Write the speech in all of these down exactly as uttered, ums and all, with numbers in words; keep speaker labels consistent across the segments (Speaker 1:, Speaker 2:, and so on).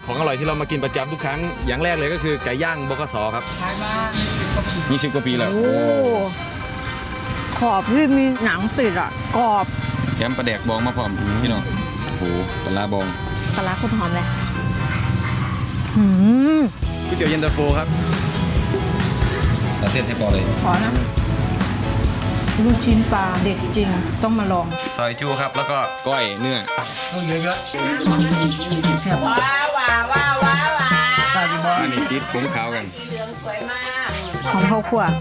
Speaker 1: ของอร่อยที่เรามากินประจำทุกครั้งอย่างแรกเลยก็คือไก่ย่างบกสครับ
Speaker 2: ขายมายี่สิบกว่าปี
Speaker 1: ยี่สิบกว่าปีแล้ว
Speaker 3: โอ้ขอบที่มีหนังติดอ่ะกรอบ
Speaker 1: แถมปลาแดกบองมาพร้อมพี่น้องโอ้โหปลาบอง
Speaker 3: ปลาร้าโคตรหอมเลยอืม
Speaker 1: ก๋วยเตี๋ยวเย็นตาโฟครับเราเส้นให้พอเลย
Speaker 3: ขอนะลูกชิ้นปลาเด็ดจริงต้องมาลอง
Speaker 1: ซอยจูครับแล้วก็ก้อยเนื้อ
Speaker 2: ต้องเยอะ
Speaker 4: ว้าวว้าวว้าวว้าวว้า
Speaker 2: ๆใช่บอ
Speaker 1: อันนี้ติดผงขาวกัน
Speaker 4: สีเหลืองสวยมาก
Speaker 3: หอมข้าวคั่ว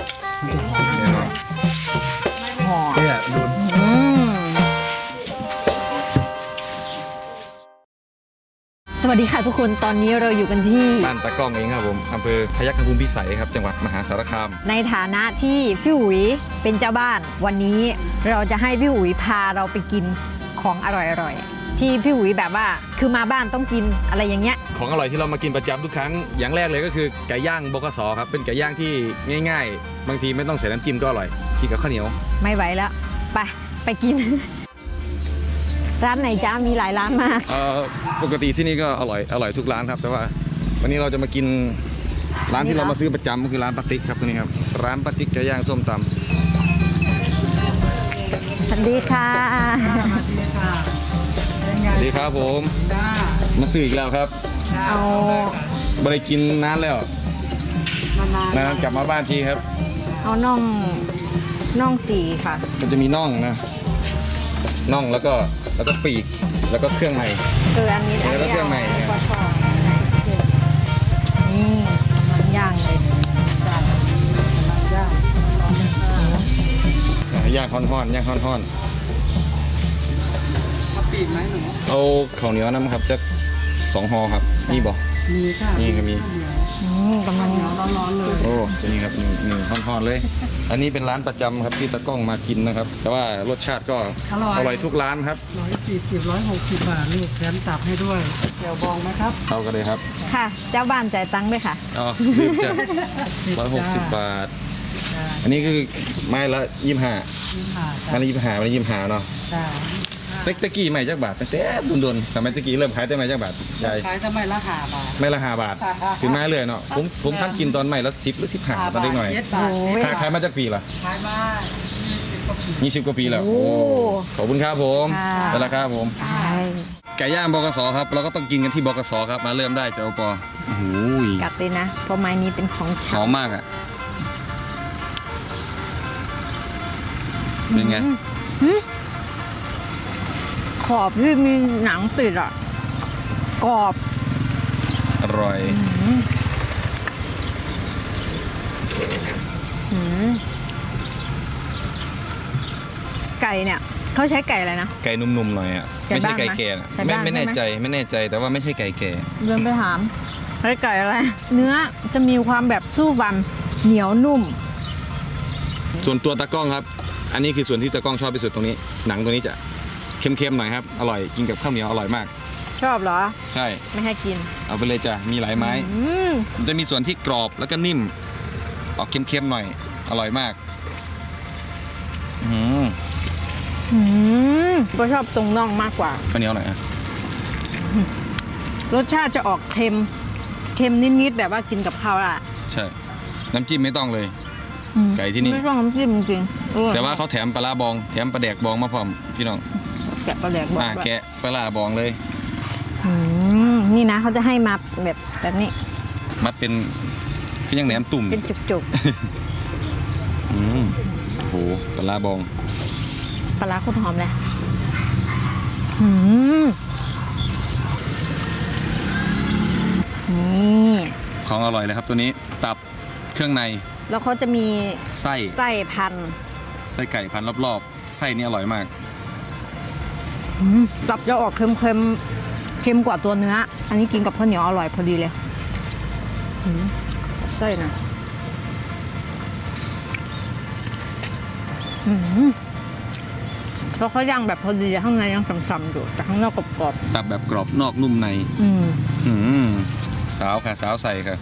Speaker 3: หอม
Speaker 2: เนี่ยดู
Speaker 3: อืมสวัสดีค่ะทุกคนตอนนี้เราอยู่กันที่
Speaker 1: บ้านตะก้องเองครับผมอำเภอพยัคฆภูมิพิสัยครับจังหวัดมหาสารคาม
Speaker 3: ในฐานะที่พี่อุ๋ยเป็นเจ้าบ้าน วันนี้เราจะให้พี่อุ๋ยพาเราไปกินของอร่อยๆที่พี่อุ๋ยแบบว่าคือมาบ้านต้องกินอะไรอย่างเงี้ย
Speaker 1: ของอร่อยที่เรามากินประจำทุกครั้งอย่างแรกเลยก็คือไก่ย่างบกสครับเป็นไก่ย่างที่ง่ายๆ บางทีไม่ต้องใส่น้ำจิ้มก็อร่อยกินกับข้าวเหนียว
Speaker 3: ไม่ไหวแล้วไปไปกิน ร้านไหนจ้ามีหลายร้านมาก
Speaker 1: เอ่อปกติที่นี่ก็อร่อยอร่อยทุกร้านครับ แต่ว่าวันนี้เราจะมากินร้านที่เรามาซื้อประจำก็คือร้านปาติ๊กครับตัวนี้ครับร้านปาติ๊กไก่ย่างส้มตำ
Speaker 3: สวัสดีค่ะ
Speaker 1: สวัสดีครับผมมาซื้ออีกแล้วครับ
Speaker 3: เอา
Speaker 1: ไม่ได้กินนานแล้วนานๆกลับมาบ้านทีครับ
Speaker 3: เอาน่องน่องสีค่ะ
Speaker 1: มันจะมีน่องนะน่องแล้วก็แล้วก็ปีกแล้วก็เครื่องใน
Speaker 3: เอออันนี้
Speaker 1: แล้วก็เครื่องใน
Speaker 3: นนี้าทอดนี่มันย่างเลย
Speaker 1: ย่างฮ้อนๆย่างฮ้อน
Speaker 2: ปีกไหมหนู
Speaker 1: ๆเอาข้าวเหนียวน้ำครับจะสองห่อครับนี่บอก
Speaker 2: มีค่ะ
Speaker 1: นี่ก็มี
Speaker 3: อืมกำลัง
Speaker 2: ร้อนๆเลย
Speaker 1: โอ้นี่ครับหนึ่งหนึ่งฮ้อนๆเลย อันนี้เป็นร้านประจำครับที่ตะกล้องมากินนะครับ แต่ว่ารสชาติก็อร่อยทุกร้านครับ
Speaker 2: ร้อยสี่สิบร้อยหกสิบบาทลูกแถมตับให้ด้วยเดี๋ยวบองไหมครับ
Speaker 1: เอากันเลยครับ
Speaker 3: ค่ะ เจ้าบ้านจ่ายตังค์ด้วยค่ะ
Speaker 1: อ๋อลืมจ้ะร้อยหกสิบบาท อันนี้คือไม้ละยี่สิบห้า
Speaker 2: นี่ค่ะ
Speaker 1: ไม้ละยี่สิบห้าไม้ละยี่สิบห้าเนาะ
Speaker 2: จ้า
Speaker 1: เต็กตะกี้ไม้จักบาทตั้งแต่โดนๆสมัยตะกี้เริ่มขายแต่ไม้จักบาทใหญ่
Speaker 2: ขายจะไม่ละห้าบาท
Speaker 1: ไม้ละห้าบาทถึงไม้เลยเนาะผมผมท่านกินตอนไม้ละสิบหรือสิบห้าตอนเด็กหน่อย
Speaker 2: เจ็ดบาท
Speaker 1: ขายขายมาจากปีละ
Speaker 2: ขายมายี่สิบกว่าปี
Speaker 1: ยี่สิบกว่าปีแล้ว
Speaker 3: โอ้
Speaker 1: โอ้ขอบคุณครับผม
Speaker 3: ค่ะ
Speaker 1: ไปแล้วครับผม
Speaker 3: ใช่
Speaker 1: ไก่ย่างบกสครับเราก็ต้องกินกันที่บกสครับมาเริ่มได้เจ้าปอโอ้โห
Speaker 3: กัดเลยนะ เพราะไม้นี้เป็นของ
Speaker 1: ห
Speaker 3: ฉั
Speaker 1: อน มมากอ่ะเป็นไง
Speaker 3: ขอบที่มีหนังติดอ่ะกรอบ
Speaker 1: อร่อย
Speaker 3: อืมไก่เนี่ยเขาใช้ไก่อะไรนะ
Speaker 1: ไก่นุ่มๆหน่อยอ่ะ
Speaker 3: ไก่
Speaker 1: ไม่ใช่
Speaker 3: บ้าน
Speaker 1: ไก่แก่นะ
Speaker 3: ไก่
Speaker 1: ไม่
Speaker 3: บ้าน
Speaker 1: ไม่แน่
Speaker 3: ใช่ไหม
Speaker 1: ใจไม่แน่ใจแต่ว่าไม่ใช่ไก่แก่
Speaker 3: เดินไปถามใช้ไก่อะไร เนื้อจะมีความแบบสู้ฟันเหนียวนุ่ม
Speaker 1: ส่วนตัวตะกล้องครับ อันนี้คือส่วนที่ตะกล้องชอบที่สุดตรงนี้ หนังตัวนี้จะเค็มๆหน่อยครับอร่อยกินกับข้าวเหนียวอร่อยมาก
Speaker 3: ชอบเหรอ
Speaker 1: ใช่
Speaker 3: ไม่ให้กิน
Speaker 1: เอาไปเลยจ้ะมีหลายไม้
Speaker 3: อืม
Speaker 1: มันจะมีส่วนที่กรอบแล้วก็นิ่ม ออกเค็มๆหน่อย อร่อยมาก อืม
Speaker 3: อืมก็ชอบตรงน่องมากกว่า
Speaker 1: ข้าวเหนียวหน่อยอ่ะ
Speaker 3: รสชาติจะออกเค็ม เค็มนิดๆแบบว่ากินกับข้าวอ่ะ
Speaker 1: ใช่ น้ำจิ้มไม่ต้องเลย
Speaker 3: อืม
Speaker 1: ไก่ที่นี่
Speaker 3: ไม่ต้องน้ำจิ้มจริงๆอร่อย
Speaker 1: แต่ว่าเขาแถมปลาร้าบอง แถมปลาแดกบองมาพร้อมพี่น้อง
Speaker 3: แกะปลาแดกบอก
Speaker 1: อ่า
Speaker 3: ว่า
Speaker 1: แกะปลาร้าบองเลย
Speaker 3: อืมนี่นะเขาจะให้มาแบบแบบนี้
Speaker 1: มัดเป็นคือยังแหนมตุ่ม
Speaker 3: เป็นจุก
Speaker 1: อืมโอ้โหปลาร้าบอง
Speaker 3: ๆปลาร้าโคตรหอมเลยอืมนี่
Speaker 1: ของอร่อยเลยครับตัวนี้ตับเครื่องใน
Speaker 3: แล้วเขาจะมี
Speaker 1: ไส้
Speaker 3: ไส้พัน
Speaker 1: ไส้ไก่พันรอบๆ ไส้นี่อร่อยมาก
Speaker 3: อืมตับจะออกเค็มเค็มเค็มกว่าตัวเนื้อ อันนี้กินกับข้าวเหนียวอร่อยพอดีเลยอืมไส้นะอืมแล้วเขาย่างแบบพอดีข้างในยังฉ่ำๆอยู่แต่ข้างนอกกรอบ
Speaker 1: ตับแบบกรอบนอกนุ่มใน
Speaker 3: ๆอืม
Speaker 1: อืมสาวค่ะสาวใส่ค่ะ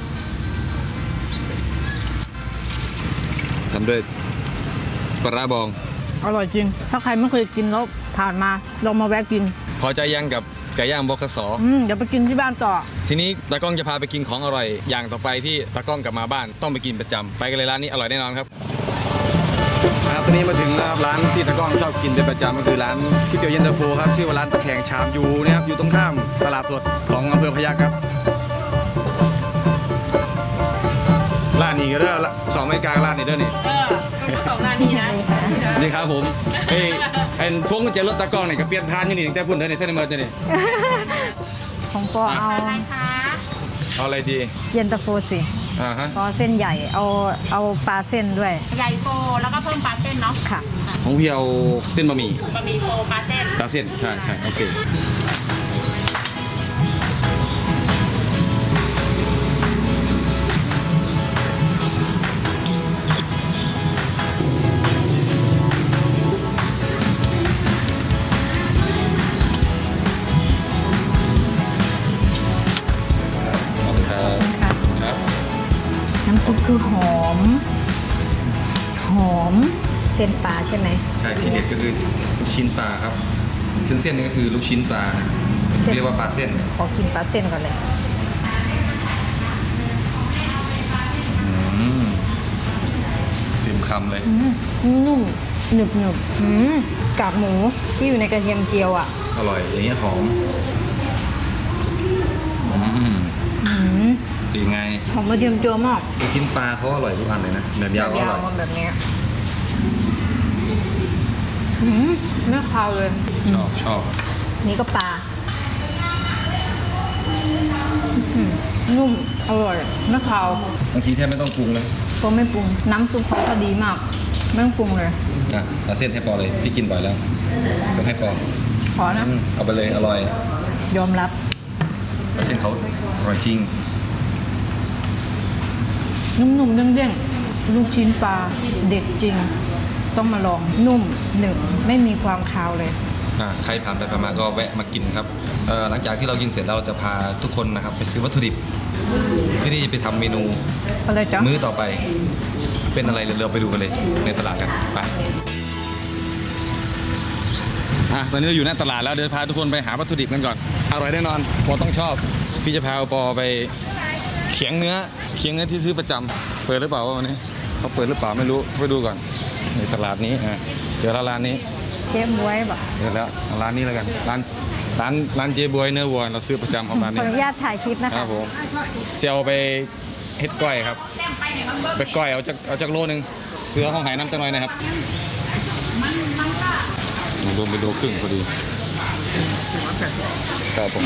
Speaker 1: ทำด้วยปลาร้าบอง
Speaker 3: อร่อยจริง ถ้าใครไม่เคยกินแล้วผ่านมาลองมาแวะกิน
Speaker 1: พอใจยังกับไก่ย่างบกส
Speaker 3: อืมเดี๋ยวไปกินที่บ้านต่อ
Speaker 1: ทีนี้ตากล้องจะพาไปกินของอร่อยอย่างต่อไปที่ตากล้องกลับมาบ้านต้องไปกินประจำไปกันเลยร้านนี้อร่อยแน่นอนครับครับตอนนี้มาถึงนะครับร้านที่ตากล้องชอบกินเป็นประจำก็คือร้านก๋วยเตี๋ยวเย็นตาโฟครับชื่อว่าร้านตะแคงชามยูนะครับอยู่ตรงข้ามตลาดสดของอำเภอพยัคฆ์ครับร้านนี้ก็ได้ละสองไม่กลางร้านนี้ด้วยนี่
Speaker 4: เออสองนาทีนะ
Speaker 1: นี่ครับผมเอ้ยไอ้พวงกุญแจรถตากล้องเนี่ยก็เปลี่ยนทานอยู่นี่ตั้งแต่พุ่นเด้อนี่เท่านี้มาเจอนี่
Speaker 3: ของปอเอา
Speaker 4: อะไรคะ
Speaker 1: เอาอะไรดี
Speaker 3: เย็นตาโฟสิ
Speaker 1: อ่าฮะ
Speaker 3: ปอเส้นใหญ่เอาเอาปลาเส้นด้วย
Speaker 4: ใหญ่โฟแล้วก็เพิ่มปลาเส้นเนาะ
Speaker 3: ค่ะ
Speaker 1: ของพี่เอาเส้นบะหมี่
Speaker 4: บะหมี่โฟปลาเส้น
Speaker 1: ปลาเส้นใช่ใช่โอเคครับ
Speaker 3: น้ำซุปคือหอม หอมเส้นปลาใช่ไหม
Speaker 1: ใช่ที่เด็ดก็คือลูกชิ้นปลาครับเส้นเส้นนี่ก็คือลูกชิ้นปลานะ
Speaker 3: เส้น
Speaker 1: เรียกว่าปลาเส้น
Speaker 3: ขอกินปลาเส้นก่อนเลย
Speaker 1: อืมเต็มคำเลย
Speaker 3: อืมนุ่มหนึบหนึบอืมกากหมูที่อยู่ในกระเทียมเจียวอ่ะ
Speaker 1: อร่อยอย่างเงี้ยหอมอืม
Speaker 3: อืม
Speaker 1: ดีไง
Speaker 3: หอมกระเทียมเจียวมาก
Speaker 1: ลูกชิ้นปลาเขาอร่อยทุกอันเลยนะแบบยาวก็อร่อย
Speaker 3: ๆแบบเนี้ยอืมไม่คาวเลย
Speaker 1: ชอบชอบ
Speaker 3: นี่ก็ปลาอืมนุ่มอร่อยไม่คาว
Speaker 1: บางทีแทบไม่ต้องปรุงเลย
Speaker 3: ก็ไม่ปรุงน้ำซุปเขาพอดีมากไม่ต้องปรุงเลย
Speaker 1: อ่ะเอาเส้นให้ปอเลยพี่กินบ่อยแล้วยกให้ปอ
Speaker 3: ขอนะ
Speaker 1: อืมเอาไปเลยอร่อย
Speaker 3: ยอมรับ
Speaker 1: เส้นเขาอร่อยจริง
Speaker 3: นุ่มๆเด้งๆลูกชิ้นปลาเด็ดจริง ต้องมาลองนุ่มหนึบไม่มีความคาวเลย
Speaker 1: อ่าใครผ่านไปผ่านมาก็แวะมากินครับเอ่อหลังจากที่เรากินเสร็จแล้วเราจะพาทุกคนนะครับไปซื้อวัตถุดิบเพื่อที่จะไปทำเมนู
Speaker 3: อะไรจ๊ะ
Speaker 1: มื้อต่อไป เป็นอะไรเดี๋ยวเราไปดูกันเลยในตลาดกันไปอ่ะตอนนี้เราอยู่หน้าตลาดแล้วเดี๋ยวพาทุกคนไปหาวัตถุดิบกันก่อนอร่อยแน่นอนปอต้องชอบพี่จะพาปอไปเขียงเนื้อเขียงเนื้อที่ซื้อประจำเปิดหรือเปล่าวันนี้เขาเปิดหรือเปล่าไม่รู้ไปดูก่อนในตลาดนี้อ่ะเจอแล้วร้านนี้
Speaker 3: เชฟบวยบอก
Speaker 1: เจอแล้วเอาร้านนี้แล้วกันร้านร้านร้านเจบวยเนื้อวัวเราซื้อประจำของร้าน
Speaker 3: ขอ
Speaker 1: นี้
Speaker 3: อนุญาตถ่ายคลิปนะ
Speaker 1: ครั
Speaker 3: คะ
Speaker 1: บผมจะเอาไปเฮ็ดก้อยครับไปก้อยเอาจากเอาจากโลนึงเสือห้องไหน้ำจังหน่อยนะครับรวมไปโลครึ่งพอดีครับผม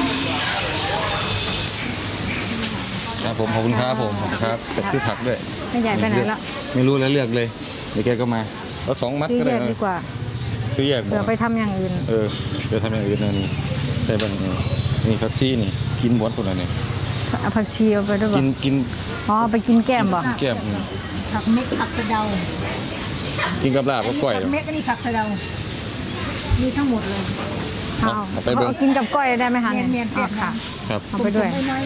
Speaker 1: ครับผมขอบคุณครับผมขอบคุณครับจะซื้อผักด้วย
Speaker 3: ไม่ใหญ่ไปไหนละ
Speaker 1: ไม่รู้แล้วเลือกเลยเดี๋ยวแกก็มาเอาสองมัด
Speaker 3: ซื้อ
Speaker 1: ก็
Speaker 3: แย
Speaker 1: ได้
Speaker 3: ก
Speaker 1: นะ
Speaker 3: ดีกว่า
Speaker 1: ซื้อแยก
Speaker 3: เดี๋ยวไปทำอย่างอื่น
Speaker 1: เออเดี๋ยวทำอย่างอื่นนะนี่ใส่บ้างนี่นี่แท็กซี่นี่กินหมดคนละนี่
Speaker 3: เอาผักชีเอาไปด้วยบอ
Speaker 1: กิ
Speaker 3: ก
Speaker 1: นกิน
Speaker 3: อ๋อไปกินแก้มบอก
Speaker 1: แก้มอืม
Speaker 5: ผักเม็ดผักสะเดา
Speaker 1: กินกับลาบก็ก้อย
Speaker 5: ผักเม็ดก็นี่ผักสะเดา มีทั้งหมดเลย
Speaker 3: เอา
Speaker 1: เอาไปเบิ่ง
Speaker 3: เอากินกับก้อยได้ไหมคะ
Speaker 5: เนียนเนียน
Speaker 3: อ๋
Speaker 5: เสี
Speaker 3: อย
Speaker 5: บ
Speaker 3: ค่ะ
Speaker 1: ครับ
Speaker 3: เอาไปด้วย
Speaker 5: น้อย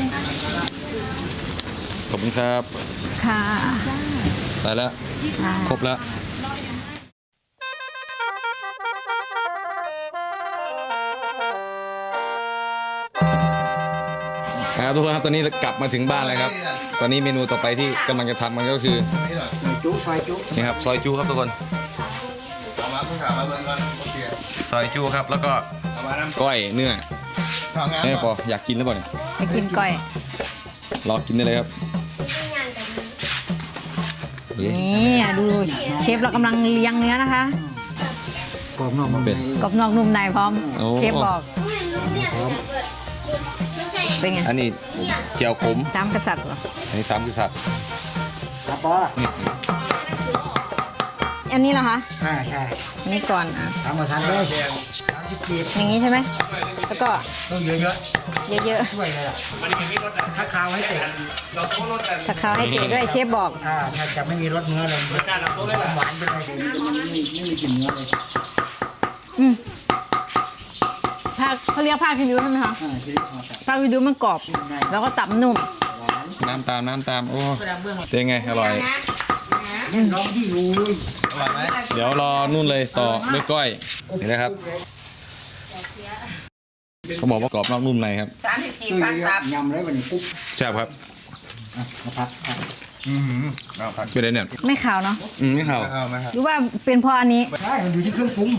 Speaker 1: ขอบคุณครับ
Speaker 3: ค่ะ
Speaker 1: ได้แล้ว
Speaker 3: อ่า
Speaker 1: ครบแล้วครับทุกคนครับตอนนี้กลับมาถึงบ้านแล้วครับ ตอนนี้เมนูต่อไปที่กำลังจะทำมันก็คือ
Speaker 5: ๆจุ๊ซอยจุ๊
Speaker 1: นี่ครับซอยจูครับทุกคนซอยจูครับแล้วก็ก้อยเนื้อใช่ไหมปออยากกินหรือเปล่าเนี่ย
Speaker 3: ไปกินก้อย
Speaker 1: รอกินได้เลยครับ
Speaker 3: นี่อ่ะดูเชฟเรากำลังเลี้ยงเนื้อนะคะ
Speaker 2: กรอบนอก
Speaker 1: เป็ด
Speaker 3: กรอบนอกนุ่มในพร้อม
Speaker 1: โอ้
Speaker 3: เชฟบอก เป็นไง
Speaker 1: อันนี้เจียวขม
Speaker 3: ตามกษัตริย์เหรอ
Speaker 1: อันนี้สามกษัตริย์
Speaker 2: ครับปอ
Speaker 1: นี่
Speaker 3: อันนี้เหรอคะ
Speaker 2: ใช่ใช่
Speaker 3: อันนี้ก่อนอ่ะ
Speaker 2: ทำมาทานเลยสามสิบกีบ
Speaker 3: อย่างนี้ใช่ไหมแล้วก็
Speaker 2: ต้องเยอะ
Speaker 3: เยอะ
Speaker 2: ๆช่วยเลยล่ะถ้าคาวให้เตะ
Speaker 3: ๆถ้าเขาให้เตะด้วยเชฟบอก
Speaker 2: ถ้าถ้าจะไม่มีรสเนื้อเลยหวานไปเลยไม่มีกลิ่นเนื้อเลย
Speaker 3: อืมภาคเขาเรียกภาคคิริวใช่ไหมคะ
Speaker 2: อ่าชีวิตมาจาก
Speaker 3: ภาคคิริวมันกรอบ แล้วก็ตับนุ่ม
Speaker 2: หวาน
Speaker 1: น้ำตามน้ำตามโอ้เป็นไงอร่อย
Speaker 2: น้องที่รู้
Speaker 1: เดี๋ยวรอนู่นเลยต่อด้วยก้อยนี่นะครับเขาบอกว่ากรอบนอกนุ่มในครับ
Speaker 4: สามสิบสี่
Speaker 5: คือ
Speaker 4: พันตับ
Speaker 5: ยำเลยวันนี้ปุ๊บ
Speaker 1: แซ่บครับ
Speaker 5: อ่ะมาพักครับ
Speaker 1: เป็นไรเนี่ย
Speaker 3: ไม่ขาวเนาะ
Speaker 1: อืมไม่ข่าว
Speaker 3: หรือว่าเป็นเพราะอันนี้
Speaker 5: ใช่มันอยู่ที่เครื่องปรุง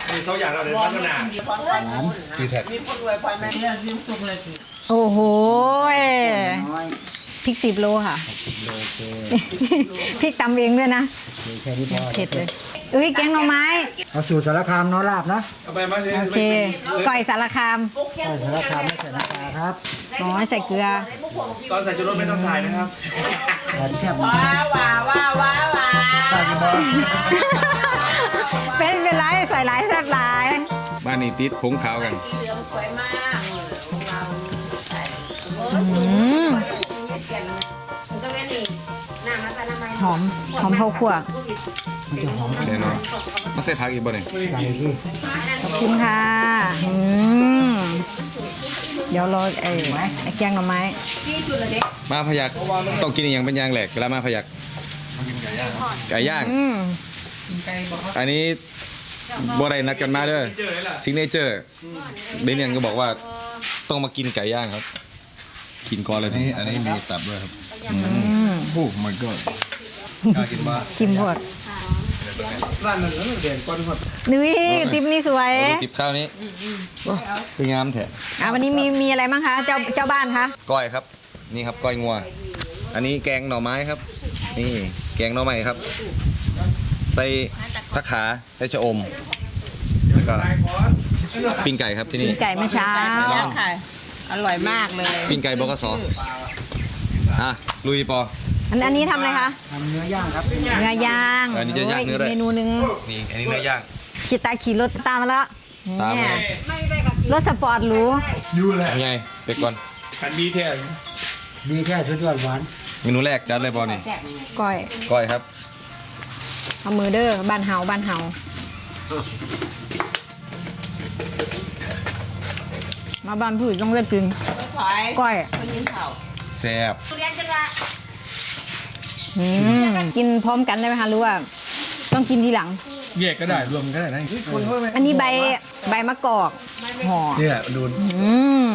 Speaker 4: มีคนรวยพอไหมเนี่ยยิ้มสุกเลยสิ
Speaker 3: โอ้โหย
Speaker 5: น้อย
Speaker 3: พริกสิบโลค่ะพริกตำเองด้วยนะ
Speaker 5: มีแค่นี้พอ
Speaker 3: เผ็ดเลยเอ้ยแกงหน่อไม้
Speaker 5: เอาสูตรสารคามเน้อลาบนะ
Speaker 3: โอเคก่อยสารคาม
Speaker 5: ใส่สารคามไม่ใส่น้ำปลาครับ
Speaker 3: น้อยใส่เกลือ
Speaker 6: ตอนใส่ชูรสไม่ต้องถ่ายนะครับ
Speaker 5: แต่แซ่บ
Speaker 4: ว้าวว้าวว้าวว้าวว้า
Speaker 5: ใส่
Speaker 4: ว
Speaker 5: กี่บอล
Speaker 3: เป็นเป็นไรใส่หลายแซ่บหลาย
Speaker 1: บ้านนี้ติดผงขาวกัน
Speaker 4: สีเหลืองสวยมากของเราใส่
Speaker 3: อืม
Speaker 4: มันก็แม่นี่น้ำมันจะน้ำมัน
Speaker 3: หอมหอมข้าวคั่ว
Speaker 5: มันจะหอม
Speaker 1: แน่นอนมาใส่ผักอีกบ่เนี่ย
Speaker 5: ใส่ที่
Speaker 3: ขอบคุณค่ะอืมเดี๋ยวรอไอ้ไอ้แกงหน่อไม้
Speaker 1: มาพยักต้องกินอหย่างเป็นอย่างแหลกเวลามาพยักไก่ย่าง
Speaker 3: อืม
Speaker 1: อันนี้บัวไรนัดกันมาเด้อซิกเนเจอร์เดนเนียนก็บอกว่าต้องมากินไก่ย่างครับ กินก่อนเลยนี่อันนี้มีตับด้วยครับโอ้ my god กล้ากินบ้า
Speaker 3: ชิมพด
Speaker 6: ร้านนั้นแล้วเด่นก้อนหมด
Speaker 3: นี่ติ๊บนี่สวย
Speaker 1: ติบข้าวนี้คืองามแท้
Speaker 3: อ่ะวันนี้มีมีอะไรบ้างคะเจ้าเจ้าบ้านคะ
Speaker 1: ก้อยครับ นี่ครับก้อยงัว อันนี้แกงหน่อไม้ครับ นี่แกงหน่อไม้ครับ ใส่ผักขาใส่ชะอมแล้วก็ปิ้งไก่ครับที่นี่
Speaker 3: ไก่เมื่อเช้า
Speaker 1: ลอง
Speaker 4: ค่ะอร่อยมากเลย
Speaker 1: ปิ้งไก่บกสอ่ะลุยปอ
Speaker 3: อันอันนี้ทำอะไรคะ
Speaker 5: ทำเนื้อย่างครับ
Speaker 3: เนื้อย่าง
Speaker 1: อันนี้จะย่างเนื้อด้วย
Speaker 3: โยกเมนูหนึ่ง
Speaker 1: นี่อันนี้เนื้อย่าง
Speaker 3: ขี่ตาขี่รถตามมาแล้ว
Speaker 1: ตามมา
Speaker 3: เนี่ยรถสปอร์ตหรู
Speaker 6: ยูแหละ
Speaker 1: ไงไปก่อน
Speaker 6: ขันบีแทน
Speaker 5: มีแค่ชุดยอดหวาน
Speaker 1: เมนูแรกจัดเลยปอนี่
Speaker 3: ก้อย
Speaker 1: ก้อยครับ
Speaker 3: เอามือเด้อบ้านเฮาบ้านเฮามาบ้านผู้ต้องเลือกกิน
Speaker 4: ถอย
Speaker 3: ก้อย
Speaker 4: คนยินเผา
Speaker 1: แซ่บ
Speaker 4: เรียนจังละ
Speaker 3: อืมกินพร้อมกันได้ไหมคะหรือว่าต้องกินทีหลัง
Speaker 6: แยกก็ได้รวมก็ได้นะ
Speaker 3: อันนี้ใบใบมะกอกห่อ
Speaker 6: เนี่ยดู
Speaker 3: อืม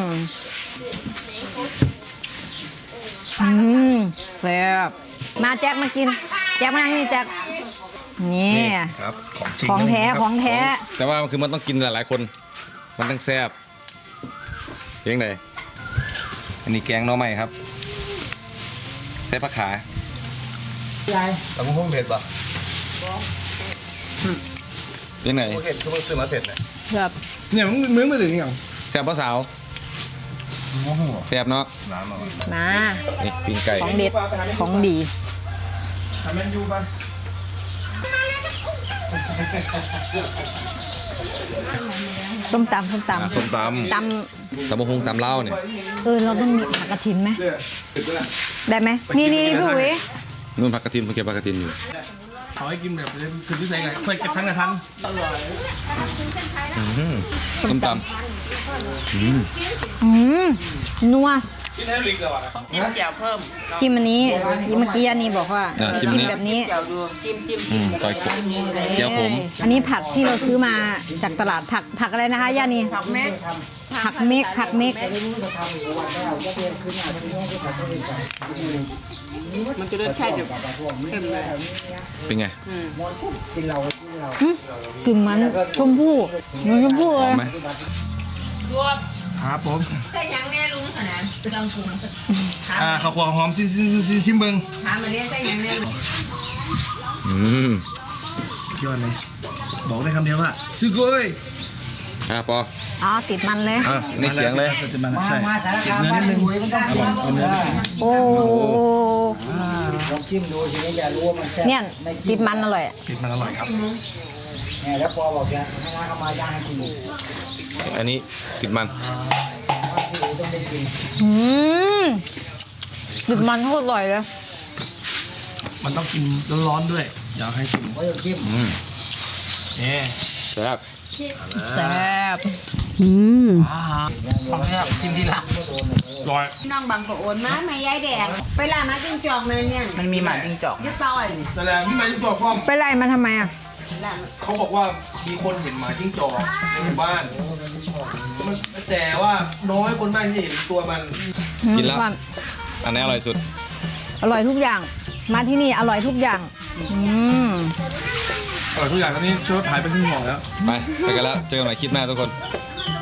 Speaker 3: อืมแซ่บมาแจ็คมากิน แจ็คมานั่งนี่แจ็คนี่
Speaker 6: ครับของจริง
Speaker 3: ของแท้ของแท้
Speaker 1: แต่ว่ามันคือมันต้องกินหลายๆคน มันต้องแซ่บเพียงไหนอันนี้แกงหน่อไม้ครับใส่ผักขา
Speaker 5: ใหญ่
Speaker 6: แต่มึงคงเผ็ดป่ะ
Speaker 1: เพียงไหน
Speaker 6: เผ็ดคือมึงซื้อมาเผ็ดเลย
Speaker 3: แบบ
Speaker 6: เนี่ยมึงมึงมาถึงยัง
Speaker 1: แซ่บปะสาว
Speaker 6: โอ้โห
Speaker 1: แซ่บเนาะ
Speaker 6: น้ำอ่ะ
Speaker 3: มา
Speaker 1: นี่ปิ้งไก่
Speaker 3: ของเด็ดของดี
Speaker 6: ทำแมนยูป่ะ
Speaker 3: ต้มตำส้ม
Speaker 1: อ่ะ
Speaker 3: ตำ
Speaker 1: ส้มต
Speaker 3: ต
Speaker 1: ำตำบะฮงตำเล่าวเนี่ย
Speaker 3: ำเออเราต้องมีผักกระถินไหม
Speaker 6: เผ็ดป่ะ
Speaker 3: ได้ไหมนี่นี่พี่อุ๋ย
Speaker 1: นู่นผักกระถินเมื่อกี้ผักกระถินอยู่
Speaker 6: เขาให้กินแบบคือพิเศษไงค่อยกระทันกระทัน
Speaker 1: อื้อหือส้มต
Speaker 3: อืมนัว
Speaker 6: กินให้ลิกเลยว่ะ
Speaker 4: จิ้มแจ่วเพิ่ม
Speaker 3: จิ้มอันนี้เมื่อกี้อันนี้บอกว่า
Speaker 1: ำอ่ะจิ้มนี้
Speaker 3: แบบนี้
Speaker 4: แจ่วดูจิ้มจิ้ม
Speaker 1: อืมก้อยขมเจียวผม
Speaker 3: อันนี้ผักที่เราซื้อมาจากตลาดผักผักอะไรนะคะย่านี
Speaker 4: ผักเม็ด
Speaker 3: ผักเมกผักเมก
Speaker 4: มันจะรสชาติจะเข้มเลย
Speaker 1: เป็นไง
Speaker 5: กินเรากินเรา
Speaker 3: หึกลิ่นมันชมพู่เหมันชมพู่
Speaker 1: ห
Speaker 3: เล
Speaker 1: อม
Speaker 3: ย
Speaker 1: ไหม
Speaker 4: รวม
Speaker 6: ครับผม
Speaker 4: ใส่หยังแน่ลุงขนาดเครื่องปรุง
Speaker 6: อ่าข้าวคั่วหอมซิมซิมซิมซิมเบิ้ง
Speaker 4: ถามมาเรียนใส่หยังแน่ลุง
Speaker 1: อืม
Speaker 6: ยอดเลยบอกได้คำเดียวว่าซื้อกุ้ย
Speaker 1: อ่ะปอ
Speaker 3: อ๋อติดมันเลย
Speaker 1: อ่ะนี่เขียงเลย
Speaker 6: จะมา
Speaker 5: มา
Speaker 6: ใช่
Speaker 5: มาสาร
Speaker 6: เก็บ
Speaker 5: คาม
Speaker 6: เนื้อ
Speaker 5: บ้า
Speaker 6: นิ
Speaker 5: น
Speaker 6: ดนึง
Speaker 5: หวยมันต้องกิน
Speaker 6: เอาเนื้อ
Speaker 3: โอ้
Speaker 5: ลองจิ้มดูทีนี้จะรู้ว่ามันแซ่บ
Speaker 3: เนี่ย
Speaker 5: ไม่
Speaker 3: ติดมันอร่อย
Speaker 6: ติดมันอร่อยครับ
Speaker 5: เนี่ยแล้วพอบอกจะให้ร้านเขามาย่างให้กินอีก
Speaker 1: อันนี้ติดมัน
Speaker 5: ว่าที่อื่นต้องได้กิน
Speaker 3: อืมติดมันโคตรอร่อยเลย
Speaker 6: มันต้องกินร้อนๆด้วยอยากให้ชิม
Speaker 5: เขาจะจิ้ม
Speaker 1: อืม
Speaker 6: เนี่ย
Speaker 1: แซ่บ
Speaker 3: แซ่บอืม
Speaker 6: ของเนี่ยกินทีหลังร้อย
Speaker 4: น้องบางก็โอนมาแม่ยายแดงไปล่ามาจิ้งจอกมาเนี่ยมันมีหมาจิ้งจอกยึดต่อย
Speaker 6: แต่แล้วพี่มาจิ้งจอกพ่อม
Speaker 3: ไปไล่มาทำไมอ่ะ
Speaker 4: ล่า
Speaker 6: เขาบอกว่ามีคนเห็นหมาจิ้งจอกในหมู่บ้านมันแต่ว่าน้อยคนมากที่จะเห็นตัวมัน
Speaker 1: กินแล้ว อันไหนอร่อยสุด
Speaker 3: อร่อยทุกอย่าง มาที่นี่อร่อยทุกอย่าง อืม
Speaker 6: อร่อยทุกอย่างตอนนี้ช่วยหายไปครึ่งห่อแล้ว
Speaker 1: ไปไปกันแล้ว เจอกันใหม่คลิปหน้าทุกคน
Speaker 6: บ